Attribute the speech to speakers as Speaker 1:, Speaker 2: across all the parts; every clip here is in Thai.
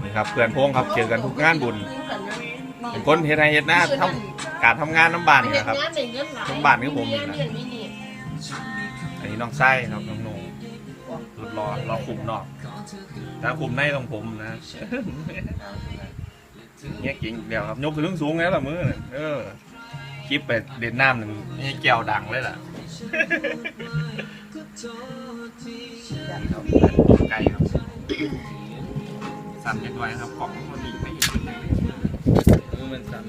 Speaker 1: นี่ครับเพื่อนพงครับเจอกันทุกงานบุญเป็นคนเฮ็ดไร่เฮ็ดนาทำการทำงานน้ำบานนี่นะครับน้ำบานคือผมนี่นะอันนี้น้องไส้ครับน้องโหน่สุดรอคุมนอกถ้าคุมในต้องผมนะเนี่ยเก่งเดียวครับยกขึ้นสูงแล้วล่ะมือคลิปไปเด่นน้ำหนึ่งนี่แก้วดังเลยล่ะไก่ครับสั่นยังไงครับกล่องมันดีไม่เห็นมันสั่น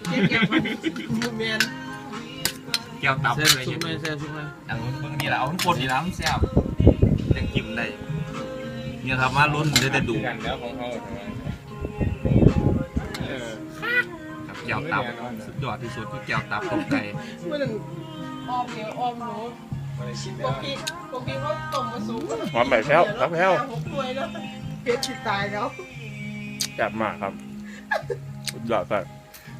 Speaker 1: แก้วตับเลยซุปไม่แซ่บซุปไม่อย่างเพิ่งนี่แหละเอาทั้งคนนี่แล้วมันแซ่บยังกินได้เนี่ยครับมาล้นได้แต่ดูกันแล้วของเขาครับแก้วตับสุดยอดที่สุดคือแก้วตับตกใจ
Speaker 2: มันออมเหนียวออมหนูปกติเขาต้มมาสูง
Speaker 1: หอมแบบแพ้วครับแพ้ว
Speaker 2: เพชรติดตายแล้ว
Speaker 1: แซ่บมากครับสุดยอดครับ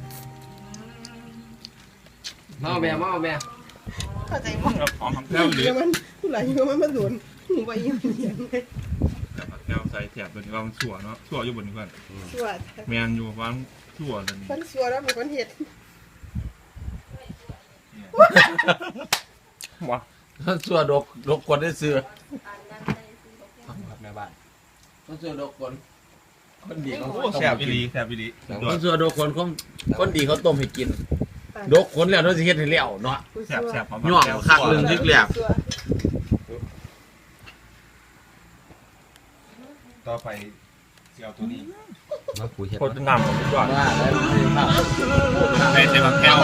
Speaker 3: มาเอาแม่
Speaker 2: เข้าใจมั้ย
Speaker 1: หอมแพ้วดี
Speaker 2: มันผู้หลายยังมันโดนหนูไปยังเสียงเลย
Speaker 1: แต่แพ้วใส่แถบเป็นว่ามันชั่วเนาะชั่วอยู่บนนี้ก่อน
Speaker 2: ชั่ว
Speaker 1: แมนอยู่ว่าชั่วเลย
Speaker 2: มันชั่วแล้วเป็นคนเห็ด
Speaker 1: ว้า
Speaker 3: ส่วนดกคนได้ซื้อแม่บ้านส่วนดกคนดีเขา
Speaker 1: แซ่บอีหลี
Speaker 3: ส่วนดกคนดีเขาต้มให้กินดกคนแล้วเราจะเฮ็ดให้แล้วเนาะ
Speaker 1: แซ่บ
Speaker 3: ย่องคักเรื่องทึกแล้ว
Speaker 1: ต่อไปเจียวตัวนี้
Speaker 3: มาคุยเฮ็ด
Speaker 1: โคตรน้ำของทุกอย่าง
Speaker 3: ได้
Speaker 1: ใส่แก้ว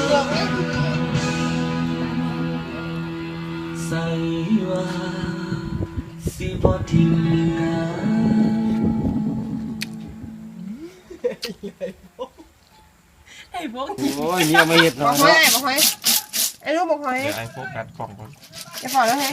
Speaker 4: ใส่ว่าสิบ่ทิ้งกัน
Speaker 2: ไอ้พวก
Speaker 3: โอ้ยเนี่ยไม่เห็ดหรอก
Speaker 2: บอกหอยไอ้ลูกบอกหอย
Speaker 1: ไอ้โฟกัสกล่องก่อน
Speaker 2: จะพอแล้วไง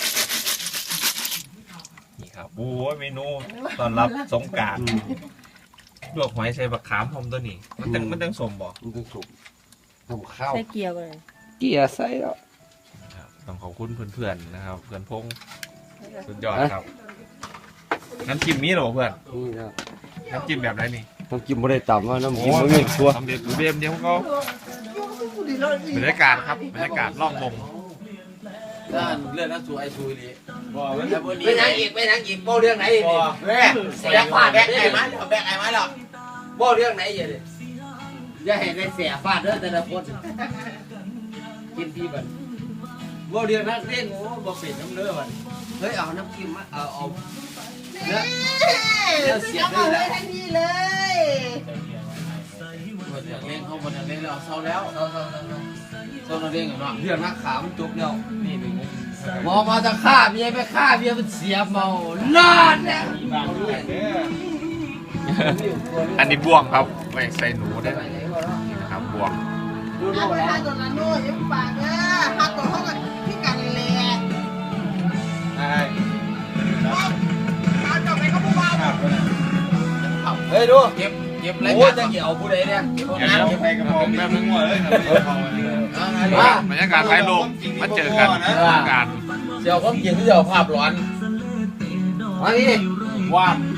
Speaker 1: นี่ครับโอ้ยเมนูตอนรับสงกรานต์ลวกหอยใส่บักขามพร้อมตัวนี้มันต้องสมบ่
Speaker 3: มันต้องสุกทำข้าว
Speaker 2: ใส่เกี๊ยวเลย
Speaker 3: เกี๊ยวใส่แล้ว
Speaker 1: ต้องขอบคุณเพื่อนๆนะครับเพื่อนพงสุดยอดครับน้ำจิ้มมีหรอเพื่อนน้ำจิ้มแบบไหนนี่
Speaker 3: น้ำจิ้มไม่ได้ต่ำว่าน้ำจิ้มไม่ชัวร์
Speaker 1: ทำเด็ดเบียมเดียวเขาบรรยากาศครับบรรยากาศล่องวง
Speaker 3: ด้านเรื่องนั้นสวยดีไม่นั่งอีกโบเรื่องไหนดิแม่แบกฟาดแบกไอ้มาหรอแบกไอ้มาหรอโบเรื่องไหนอย่าเห็นในเสียฟาดเด้อแต่ละคนกินพี่บันโบเรื่องนั้นเล่นโอ้โบเป็ดน้ำเลือดเฮ้ยเอาน้ำจิ้มมาเอาเนื้อเสียด้วยแหละ
Speaker 2: ทันทีเลย
Speaker 3: หมดเล่นเขาหมดเล่นแล้วเศร้าแล้วเศร้าเราเล่นกันเนาะเรื่องนักขามันจบแล้วนี่เป็นมองมาจะฆ่าเมียไปฆ่าเมียมันเสียเมานอนเนี่ย
Speaker 1: อันนี้บ่วงครับไม่ใส่หนูได้นะครับบ่วง
Speaker 2: ถ้าตัวนั้นโน่ยังปากนะถ้าตัวเขากับพี่กันเลยถ้าไปก็ผู้ว่า
Speaker 3: เฮ้ยดูเก็บอะไรกันจะเกี่ยวผู้ใดเนี่ยเก็บน้ำเก็บไปกระบอกแม่พึ่งหัวเลย
Speaker 1: บรรยากาศไทยลมมาเจอกันการ
Speaker 3: เดี๋ยวผมกินที่เดี๋ยวภาพร้อนมาดิ
Speaker 1: ว่าน